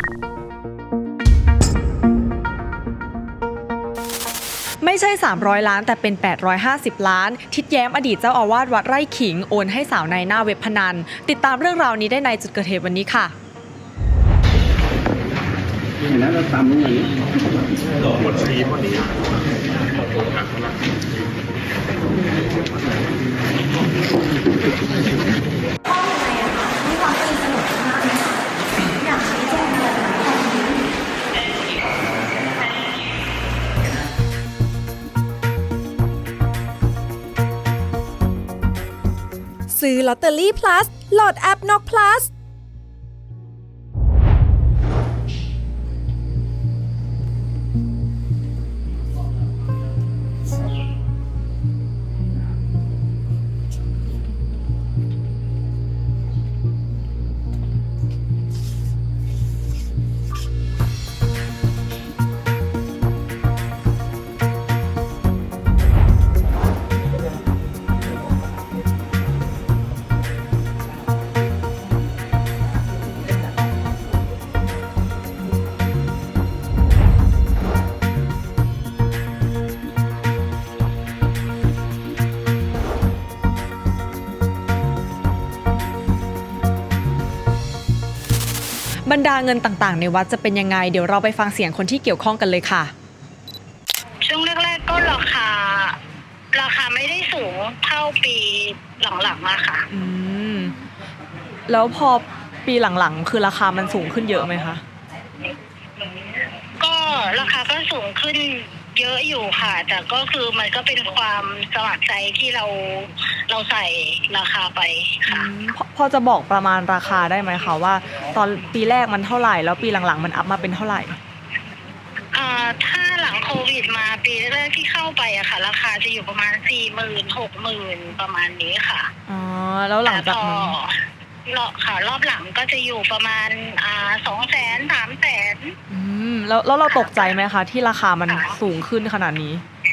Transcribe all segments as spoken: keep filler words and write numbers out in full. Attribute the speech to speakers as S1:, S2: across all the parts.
S1: ไม่ใช่สามร้อยล้านแต่เป็นแปดร้อยห้าสิบล้านทิดแย้มอดีตเจ้าอาวาสวัดไร่ขิงโอนให้สาวในหน้าเว็บพนันติดตามเรื่องราวนี้ได้ในจุดเกิดเหตุวันนี้ค่ะ
S2: เห็นแล้วเราตามรู้อย่างนี้หลอกหมดชีพวันนี้
S3: ซื้อลอตเตอรี่ plus โหลดแอป น็อก plus
S1: บรรดาเงินต่างๆในวัดจะเป็นยังไงเดี๋ยวเราไปฟังเสียงคนที่เกี่ยวข้องกันเลยค่ะ
S4: ช่วงแรกๆก็ราคาราคาไม่ได้สูงเท่าปีหลังๆมาค่ะ
S1: อืมแล้วพอปีหลังๆคือราคามันสูงขึ้นเยอะไหมคะ
S4: ก็ราคาก็สูงขึ้นเยอะอยู่ค่ะแต่ก็คือมันก็เป็นความสมัครใจที่เราเราใส่ราคาไปค่ะ
S1: พอพอจะบอกประมาณราคาได้ไหมคะว่าตอนปีแรกมันเท่าไหร่แล้วปีหลังๆมันอัพมาเป็นเท่าไหร่
S4: อ่าถ้าหลังโควิดมาปีแรกที่เข้าไปอะค่ะราคาจะอยู่ประมาณสี่หมื่นหกหมื่นประมาณนี้ค่ะ
S1: อ๋อแล้วหลังจากนั้น
S4: รอบค่ะรอบหลังก็จะอยู่ประมาณอ่าสองแสนสามแสน
S1: อืมแล้วแล้วเราตกใจไหมคะที่ราคามันสูงขึ้นขนาดนี้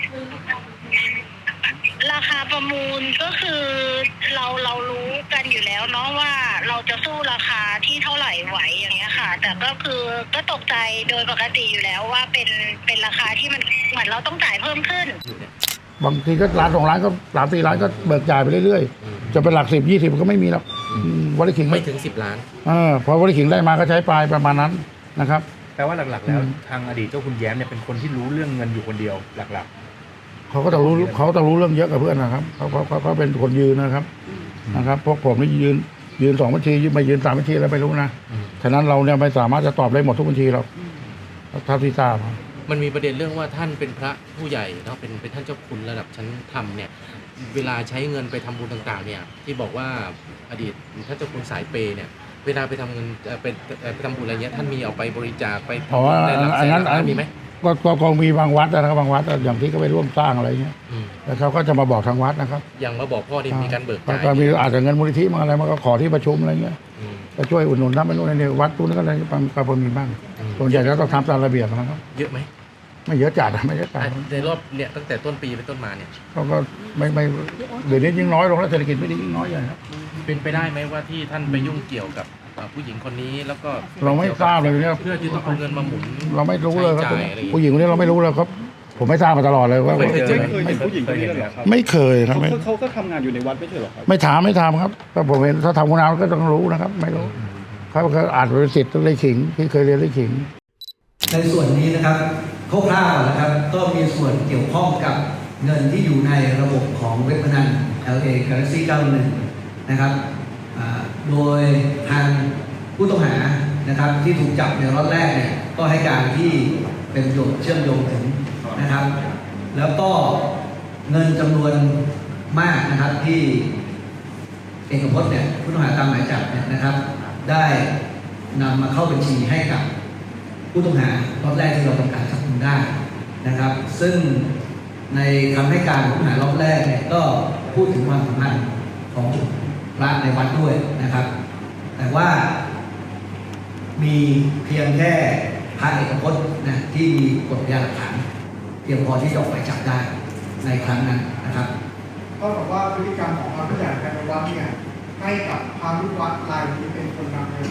S4: ราคาประมูลก็คือเราเรารู้กันอยู่แล้วเนาะว่าเราจะสู้ราคาที่เท่าไหร่ไหวอย่างเงี้ยค่ะแต่ก็คือก็ตกใจโดยปกติอยู่แล้วว่าเป็นเป็นราคาที่มันเหมือนเราต้องจ่ายเพิ่มขึ้น
S2: บางทีก็ล้านสองล้านก็สามสี่ล้านก็เบิกจ่ายไปเรื่อยๆจะเป็นหลักสิบยี่สิบก็ไม่มีหรอกวอลเลย์ขิง
S5: ไม่ถึงสิบล้าน
S2: เออพอวอลเลย์ขิงได้มาก็ใช้ปลายประมาณนั้นนะครับ
S5: แปลว่าหลักๆแล้วทางอดีตเจ้าคุณแย้มเนี่ยเป็นคนที่รู้เรื่องเงินอยู่คนเดียวหลัก
S2: ๆเขาก็ต้องรู้เขาต้องรู้เรื่องเยอะกับเพื่อนนะครับเขาเขาเขาเป็นคนยืนนะครับนะครับพวกผมนี่ยืนยืนสองบัญชียืนไปยืนสามบัญชีแล้วไม่รู้นะฉะนั้นเราเนี่ยไม่สามารถจะตอบได้หมดทุกบัญชีหรอกเท่าที่ทราบ
S5: มันมีประเด็นเรื่องว่าท่านเป็นพระผู้ใหญ่เนาะเป็นเป็นท่านเจ้าคุณระดับชั้นธรรมเนี่ยเวลาใช้เงินไปทำบุญต่างๆเนี่ยที่บอกว่าอดีตท่านเจ้าคุณสายเปย์เนี่ยเวลาไปทำเงินเป็นไปทำบุญอะไรเงี้ยท่านมีเอาไปบริจาคไป
S2: เพราะว่าอันนั้น
S5: มีไหม
S2: ก็ก็คงมีบางวัดนะครับบางวัดอย่างที่เขาไปร่วมสร้างอะไรเงี้ยแล้วเขาก็จะมาบอกทางวัดนะครับ
S5: อย่างมาบอกพ่อที่มีการเบิกจ่าย
S2: ก็มีอาจจะเงินมูลนิธิมาอะไรมาก็ขอที่ประชุมอะไรเงี้ยก็ช่วยอุดหนุนทำไปนู่นนี่วัดตู้นั้นก็อะไรก็พอมีบ้างส่วนใหญ่ก็ต้องทำตามระเบียบนะครับ
S5: เยอะไหม
S2: ไม่เยอะจัดไม่เยอะจัด
S5: ในรอบเนี่ยตั้งแต่ต้นปีเป็นต้นมาเนี่ย
S2: เขาก็ไม่ไม่เดี๋ยวนี้ยิ่งน้อยลงแล้วเศรษฐกิจไม่ดียิ่งน้อยใหญ่ครับ
S5: เป็นไปได้ไหมว่าที่ท่านไปยุ่งเกี่ยวกับผู้หญิงคนนี้แล้วก็
S2: เราไม่ทราบเลยเนี่ย
S5: เพื่อที่ต้องเอาเงินมาหมุน
S2: เราไม่รู้เลยครับผู้หญิงคนนี้เราไม่รู้เลยครับผมไม่ทราบมาตลอดเลยว่า
S5: ไม่เคยเจอ
S6: ผู้หญิงคนนี้เลยครับ
S2: ไม่เคยครับ
S6: เขาก็ทำงานอยู่ในวัดไม่ใช่หรอครับ
S2: ไม่ถามไม่ถามครับก็ผมเห็นถ้าทำงานก็ต้องรู้นะครับไม่รู้เขาก็อาจเป็นสิทธิ์เลยขิงที่เคยเรียนเลยขิง
S7: ในส่วนนี้นะครับคร่าวๆนะครับก็มีส่วนเกี่ยวข้องกับเงินที่อยู่ในระบบของเว็บพนัน แอล เอ Galaxy เก้าสิบเอ็ดนะครับโดยทางผู้ต้องหานะครับที่ถูกจับในรอบแรกเนี่ยก็ให้การที่เป็นประโยชน์เชื่อมโยงถึงนะครับแล้วก็เงินจำนวนมากนะครับที่เอกพจน์เนี่ยผู้ต้องหาตามหมายจับเนี่ยนะครับได้นำมาเข้าบัญชีให้กับผู้ต้องหารอบแรกที่เราต้องการจับกุมได้นะครับซึ่งในคำให้การของผู้ต้องหารอบแรกเนี่ยก็พูดถึงความสัมพันธ์ของพระในวัดด้วยนะครับแต่ว่ามีเพียงแค่พระเอกพจน์นะที่มีกฎพยานหลักฐานเพียงพอที่จะออกหมายจับได้ในครั้งนั้นนะครับ
S8: ก็บอกว่าพฤติกรรมของพระผู้ใหญ่ภายในวัดเนี่ยให้กับพระลูกวัดรายนี้เป็นคนนำเงิน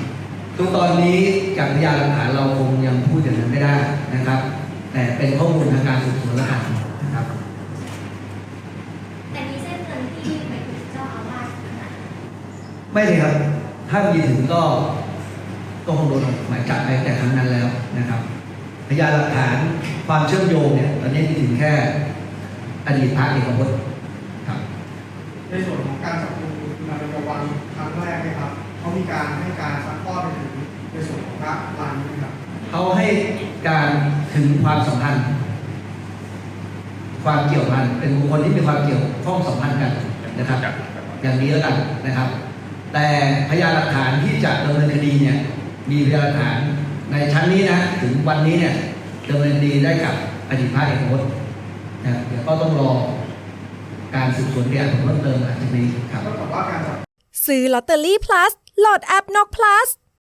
S7: ทุกตอนนี้จากพยานหลักฐานเราคงยังพูดอย่างนั้นไม่ได้นะครับ แต่เป็นข้อมูลทางการสืบสวนแล้วกันนะครับ
S8: แต่มีเส้นเงินที่ไปถึงเจ้าอาวาสขนาดนั้น
S7: ไม่เลยครับ ถ้ามีถึงก็ก็คงโดนหมายจับไปแต่ครั้งนั้นแล้วนะครับ พยานหลักฐานความเชื่อมโยงเนี่ยตอนนี้มีถึงแค่อดีตพระเอกพจน์ครับ
S9: ในส่วนของการจับกุมคุณนายประวันครั้งแรกไหมครับเขามีการให้การซักทอดไปถึงในส่วนของพระรายนี้ไหมครับ
S7: เขาให้การถึงความสัมพันธ์ ความเกี่ยวพันเป็นบุคคลที่มีความเกี่ยวข้องสัมพันธ์กันนะครับ อย่างนี้แล้วกันนะครับ แต่พยานหลักฐานที่จะดำเนินคดีเนี่ยมีพยานหลักฐานในชั้นนี้นะถึงวันนี้เนี่ยดำเนินคดีได้กับอดีตพระเอกพจน์นะเดี๋ยวก็ต้องรอการสืบสวนพยานเพิ่มเติมหลังจากนี้ครับ
S9: ก็บอกว่าการจับ
S3: ซื้อลอตเตอรี่ plus โหลดแอปนก plus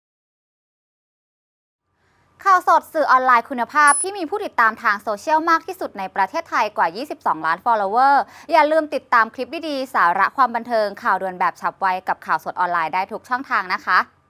S10: ข่าวสดสื่อออนไลน์คุณภาพที่มีผู้ติดตามทางโซเชียลมากที่สุดในประเทศไทยกว่า ยี่สิบสอง ล้าน follower อย่าลืมติดตามคลิปดีๆ สาระความบันเทิงข่าวด่วนแบบฉับไวกับข่าวสดออนไลน์ได้ทุกช่องทางนะคะ